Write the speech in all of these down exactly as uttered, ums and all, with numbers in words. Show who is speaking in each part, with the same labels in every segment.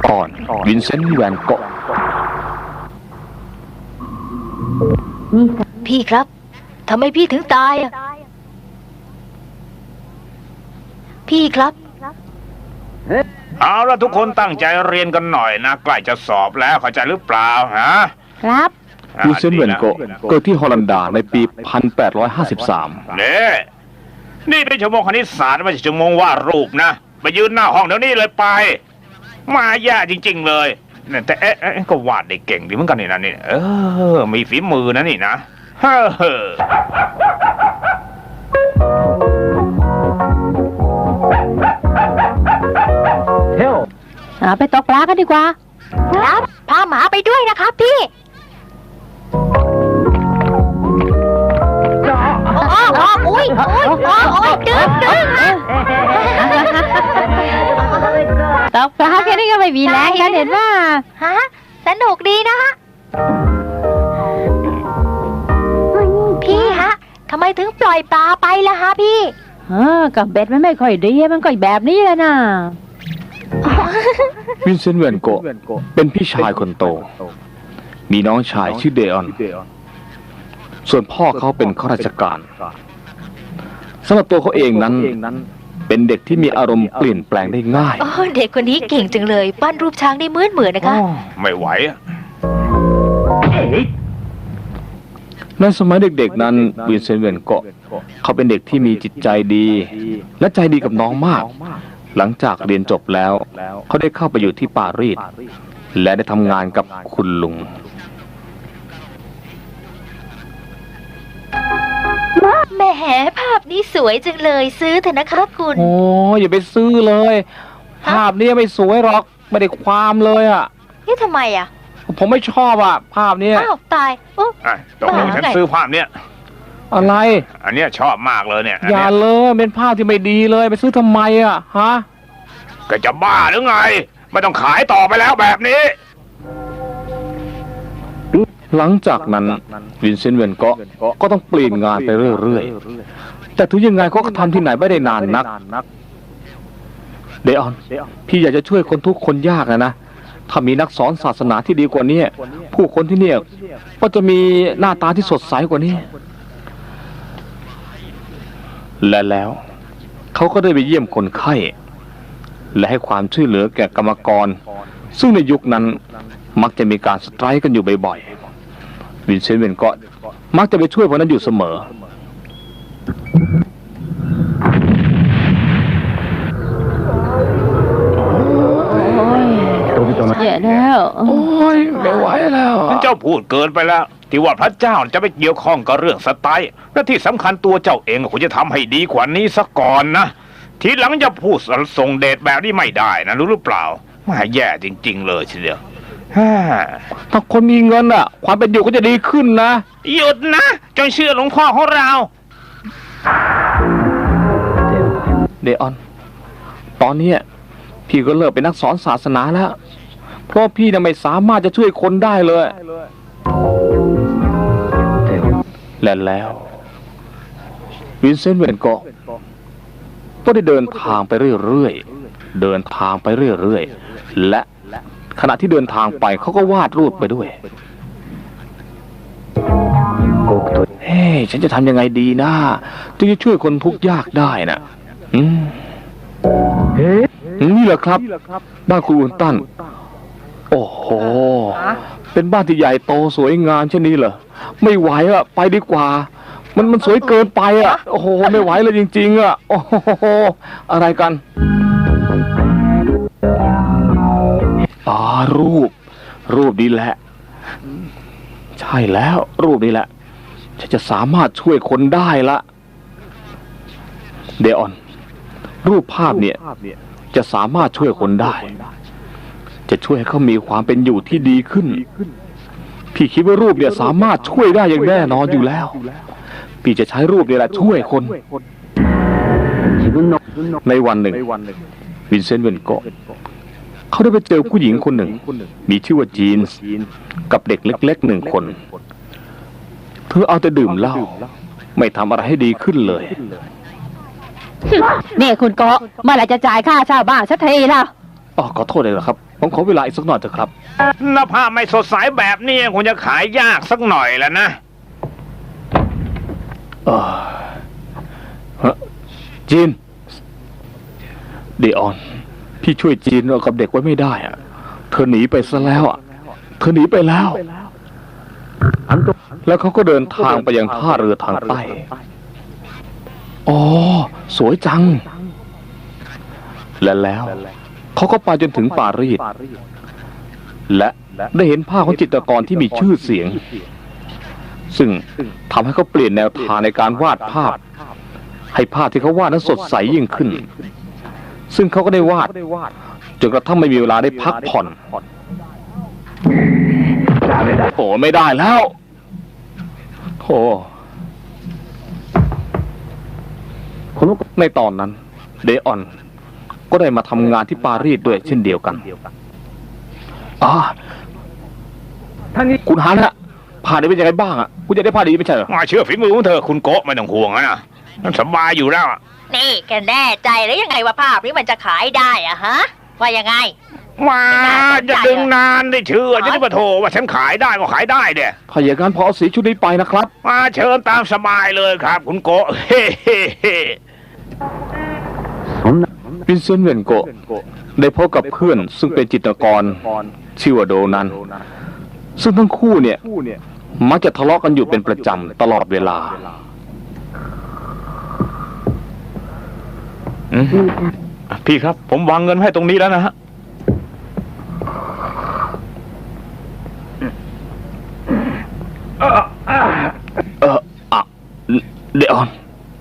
Speaker 1: อ่อนวินเซนต์แวนโกะ
Speaker 2: พี่ครับทำไมพี่ถึงตายอ่ะพี่ครับ
Speaker 3: เอาละทุกคนตั้งใจเรียนกันหน่อยนะใกล้จะสอบแล้วเข้าใจหรือเปล่าฮะ
Speaker 2: ครับ
Speaker 1: วินเซนต์แวนโกะเกิดที่ฮอลันดาในปีหนึ่งพันแปดร้อยห้าสิบสาม
Speaker 3: นี่นี่เป็นชั่วโมงคณิตศาสตร์ไม่ใช่ชั่วโมงวาดรูปนะไปยืนหน้าห้องเดี๋ยวนี้เลยไปมาแย่จริงๆเลยแต่เอ๊ะก็วาดได้เก่งดีเหมือนกันนี่นะนี่เออมีฝีมือนะนี่นะเฮ้อ
Speaker 2: ไปตกปลากันดีกว่าครับพาหมาไปด้วยนะครับพี่อ๋ออ๋ออุ้ยอุ้ยอ๋อโอ้ยดึงดึงตกปลาแค่นี้ก็ไม่มีแรงกันเห็นว่าฮะสนุกดีนะฮะพี่ฮะทำไมถึงปล่อยปลาไปล่ะฮะพี่เออกับเบ็ดมันไม่ค่อยดีมันก็แบบนี้แหละนะ
Speaker 1: วินเซนต์แวนโกะเป็นพี่ชายคนโตมีน้องชายชื่อเดออนส่วนพ่อเขาเป็นข้าราชการสำหรับตัวเขาเองนั้นเป็นเด็กที่มีอารมณ์เปลี่ยนแปลงได้ง่าย
Speaker 2: เด็กคนนี้เก่งจังเลยปั้นรูปช้างได้เหมือนเหมือนนะคะ
Speaker 3: ไม่ไหว
Speaker 1: ในสมัยเด็กๆนั้นวินเซนต์แวนโกะเขาเป็นเด็กที่มีจิตใจดีและใจดีกับน้องมากหลังจากเรียนจบแล้วเขาได้เข้าไปอยู่ที่ปารีสและได้ทำงานกับคุณลุง
Speaker 2: แหมภาพนี้สวยจังเลยซื้อเถอะนะครับคุณ
Speaker 1: โอ้อย่าไปซื้อเลยภาพนี้ไม่สวยหรอกไม่ได้ความเลยอ่ะ
Speaker 2: นี่ทำไมอ่ะ
Speaker 1: ผมไม่ชอบอ่ะภาพนี้
Speaker 2: อ้าวตายโอ้
Speaker 3: ตกลงฉันซื้อภาพเนี้ย
Speaker 1: อะไร
Speaker 3: อันเนี้ยชอบมากเลยเนี่ย
Speaker 1: อย่าเลยเป็นภาพที่ไม่ดีเลยไปซื้อทำไมอ่ะฮะ
Speaker 3: ก็จะบ้าหรือไงไม่ต้องขายต่อไปแล้วแบบนี้
Speaker 1: หลังจากนั้นวินเซนต์แวนโกะก็ต้องเปลี่ยนงานไปเรื่อยๆแต่ถึงยังไงเขาก็ทำที่ไหนไม่ได้นานนักเดออนพี่อยากจะช่วยคนทุกคนยากนะนะถ้ามีนักสอนศาสนาที่ดีกว่านี้ผู้คนที่เนี่ยก็จะมีหน้าตาที่สดใสกว่านี้และแล้วเขาก็ได้ไปเยี่ยมคนไข้และให้ความช่วยเหลือแก่กรรมกรซึ่งในยุคนั้นมักจะมีการสไตรค์กันอยู่บ่อยๆวินเซนต์แวนโกะมักจะไปช่วยพวกนั้นอยู่เสมอ
Speaker 2: แย่แล้ว
Speaker 1: โอ้ยไม่ไหวแล้ว
Speaker 3: เจ้าพูดเกินไปแล้วที่ว่าพระเจ้าจะไปเกี่ยวข้องกับเรื่องสไตล์และที่สำคัญตัวเจ้าเองควรจะทำให้ดีกว่านี้ซะก่อนนะทีหลังจะพูดส่งเดชแบบนี้ไม่ได้นะรู้หรือเปล่ามาแย่จริงๆเลยทีเดียว
Speaker 1: ถ้าคนมีเงินอ่ะความเป็นอยู่ก็จะดีขึ้นนะ
Speaker 3: หยุดนะจงเชื่อหลวงพ่อของเรา
Speaker 1: เดออนตอนนี้พี่ก็เลิกเป็นนักสอนศาสนาแล้วเพราะพี่น่ะไม่สามารถจะช่วยคนได้เลยและแล้ววินเซนต์แวนโกะก็ได้เดินทางไปเรื่อยๆเดินทางไปเรื่อยๆและขณะที่เดินทางไปเขาก็วาดรูปไปด้วยเฮ้ยฉันจะทำยังไงดีนะจึงจะช่วยคนทุกข์ยากได้นะอืมนี่แหละครับบ้านคุณอุนตันโอ้โหเป็นบ้านที่ใหญ่โตสวยงามเช่นนี้เหรอไม่ไหวอะไปดีกว่ามันมันสวยเกินไปอะโอ้โหไม่ไหวเลยจริงๆอะโอ้โหอะไรกันอ๋อรูปรูปนี้แหละใช่แล้วรูปนี้แหละฉันจะสามารถช่วยคนได้ละเดออนรูปภาพเนี่ยจะสามารถช่วยคนได้จะช่วยให้เขามีความเป็นอยู่ที่ดีขึ้นพี่คิดว่ารูปเนี่ยสามารถช่วยได้อย่างแน่นอนอยู่แล้วพี่จะใช้รูปเนี่ยแหละช่วยคนในวันหนึ่งวินเซนต์แวนโกะเขาได้ไปเจอผู้หญิงคนหนึ่งมีชื่อว่าจีนส์กับเด็กเล็กๆหนึ่งคนเธอเอาแต่ดื่มเหล้าไม่ทำอะไรให้ดีขึ้นเลย
Speaker 2: นี่คุณโกะเมื่อไหร่จะจ่ายค่าเช่าบ้านสักทีล่ะ
Speaker 1: อ๋อขอโทษเลยนะครับผมขอเวลาอีกสักหน่อยเถอะครับ
Speaker 3: หน้าผ้าไม่สดใสแบบนี้คงจะขายยากสักหน่อยแล้วนะ
Speaker 1: เออฮะจีนเดออนพี่ช่วยจีนกับเด็กไว้ไม่ได้อะเธอหนีไปซะแล้วอ่ะเธอหนีไปแล้วแล้วเขาก็เดินทางไปยังท่าเรือทางใต้อ๋อสวยจังและแล้วเขาก็ไปจนถึงปารีสและได้เห็นภาพของจิตรกรที่มีชื่อเสียงซึ่งทำให้เขาเปลี่ยนแนวทางในการวาดภาพให้ภาพที่เขาวาดนั้นสดใสยิ่งขึ้นซึ่งเขาก็ได้วาดจนกระทั่งไม่มีเวลาได้พักผ่อนโอ้ไม่ได้แล้วโอ้ในตอนนั้นเดออนก็ได้มาทำงานที่ปารีสด้วยเช่นเดียวกันอ๋อคุณฮานะผ่านได้เป็นยังไงบ้างอ่ะคุณจะได้ผ่านดีไม่ใช่เหรอ
Speaker 3: มาเชื่อฝีมือของเธอคุณโกะไม่ต้องห่วงนะสบายอยู่แล้ว
Speaker 2: นี่แกแน่ใจหรือยังไงว่าภาพนี้มันจะขายได้อะฮะว่ายังไง
Speaker 3: มาจะดึงนานได้เชื่อจะได้มาโทรว่าฉันขายได้ก็ขายได้เด้
Speaker 1: ถ้าอย่างนั้นพอเอาสีชุดนี้ไปนะครับ
Speaker 3: มาเชิญตามสบายเลยครับคุณโกะเฮ้เฮ้เฮ้
Speaker 1: วินเซนต์เวนโกะได้พบกับเพื่อนซึ่งเป็นจิตรกรชื่อว่าโดนันซึ่งทั้งคู่เนี่ยมักจะทะเลาะกันอยู่เป็นประจำตลอดเวลา
Speaker 3: พี่ครับผมวางเงินให้ตรงนี้แล้วนะฮะ
Speaker 1: เอออะเดออน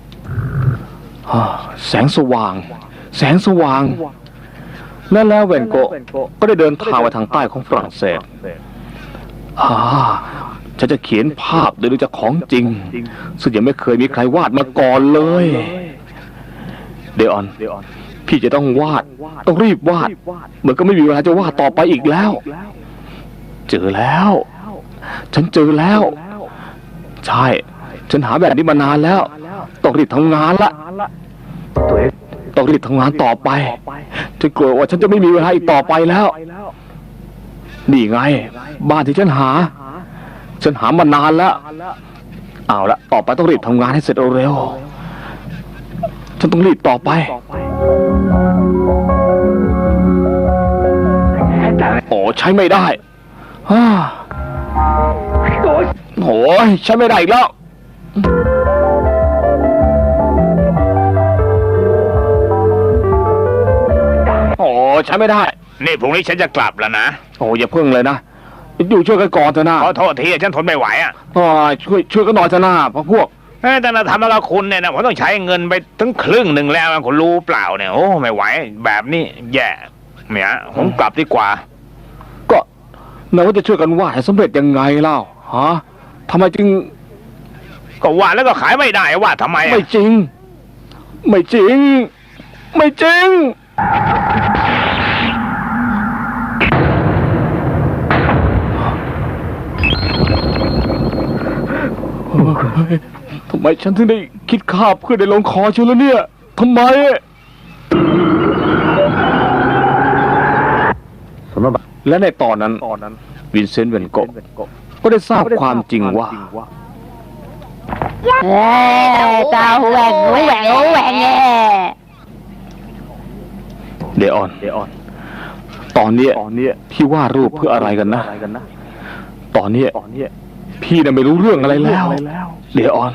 Speaker 1: แสงสว่างแสงสว่างและแล้วเวนโกะก็ได้เดินทางไปทางใต้ของฝรั่งเศสอ่าฉันจะเขียนภาพโดยดูจากของจริงซึ่งยังไม่เคยมีใครวาดมาก่อนเลยเดออนพี่จะต้องวาดต้องรีบวาดเหมือนก็ไม่มีเวลาจะวาดต่อไปอีกแล้วเจอแล้วฉันเจอแล้วใช่ฉันหาแบบนี้มานานแล้วต้องรีบทำงานละต้องรีบทำงานต่อไปฉันกลัวว่าฉันจะไม่มีเวลาอีกต่อไปแล้วนี่ไงบ้านที่ฉันหาฉันหามานานแล้วเอาละต่อไปต้องรีบทำงานให้เสร็จเร็วฉันต้องรีบต่อไปโอ้ใช้ไม่ได้ฮ่าโอ้ยใช้ไม่ได้อีกแล้วโอ้ใช้ไม่ได้
Speaker 3: นี่พรุ่งนี้ฉันจะกลับแล้วนะ
Speaker 1: โอ้อย่าเพิ่งเลยนะอยู่ช่วยกันก่อนเถอะนะ
Speaker 3: ขอโทษทีฉันทนไม่ไหวอ่ะ
Speaker 1: อ๋อช่วยช่วยกันหน่อยเถอะนะพวกพวก
Speaker 3: แต่เราทำแล้วคุณเนี่ยนะผมต้องใช้เงินไปถึงครึ่งหนึ่งแล้วคุณรู้เปล่าเนี่ยโอ้ไม่ไหวแบบนี้แย่เนี่ยผมกลับดีกว่า
Speaker 1: ก็เราว่าจะช่วยกันวาดให้สำเร็จยังไงเล่าฮะทำไมจึง
Speaker 3: ก็วาดแล้วก็ขายไม่ได้วาดทำไม
Speaker 1: ไม่จริงไม่จริงไม่จริงทำไมฉันถึงได้คิดฆ่าเพื่อได้ลงคอเชียวแล้วเนี่ยทำไมและในตอนนั้นวินเซนต์เวนโกะก็ได้ทราบความจริงว่า
Speaker 2: เอ้ตาแหวงแหวงแหวง
Speaker 1: เดออนตอนนี้พี่วาดรูปเพื่ออะไรกันนะตอนนี้พี่น่ะไม่รู้เรื่องอะไรแล้วเดออน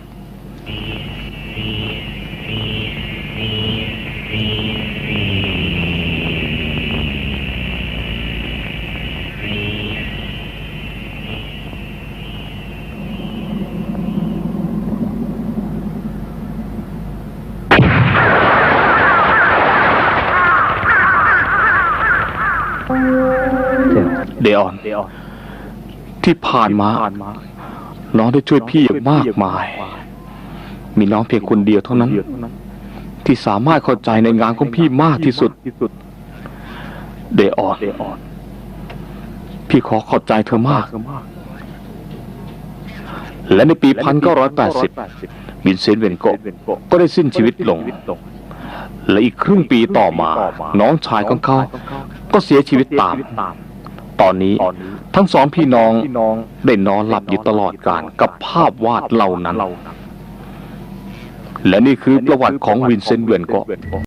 Speaker 1: เดออนที่ผ่านมาน้องได้ช่วยพี่อย่างมากมายมีน้องเพียงคนเดียวเท่านั้นที่สามารถเข้าใจในงานของพี่มากที่สุดเดออนพี่ขอขอบใจเธอมากและในปีหนึ่งพันเก้าร้อยแปดสิบวินเซนต์เวนโกะก็ได้สิ้นชีวิตลงและอีกครึ่งปีต่อมา น้องชายของเขาก็เสียชีวิตตาม ตอนนี้ทั้งสองพี่น้องได้นอนหลับอยู่ตลอดกาลกับภาพวาดเหล่านั้น และนี่คือประวัติของวินเซนต์ แวนโกะ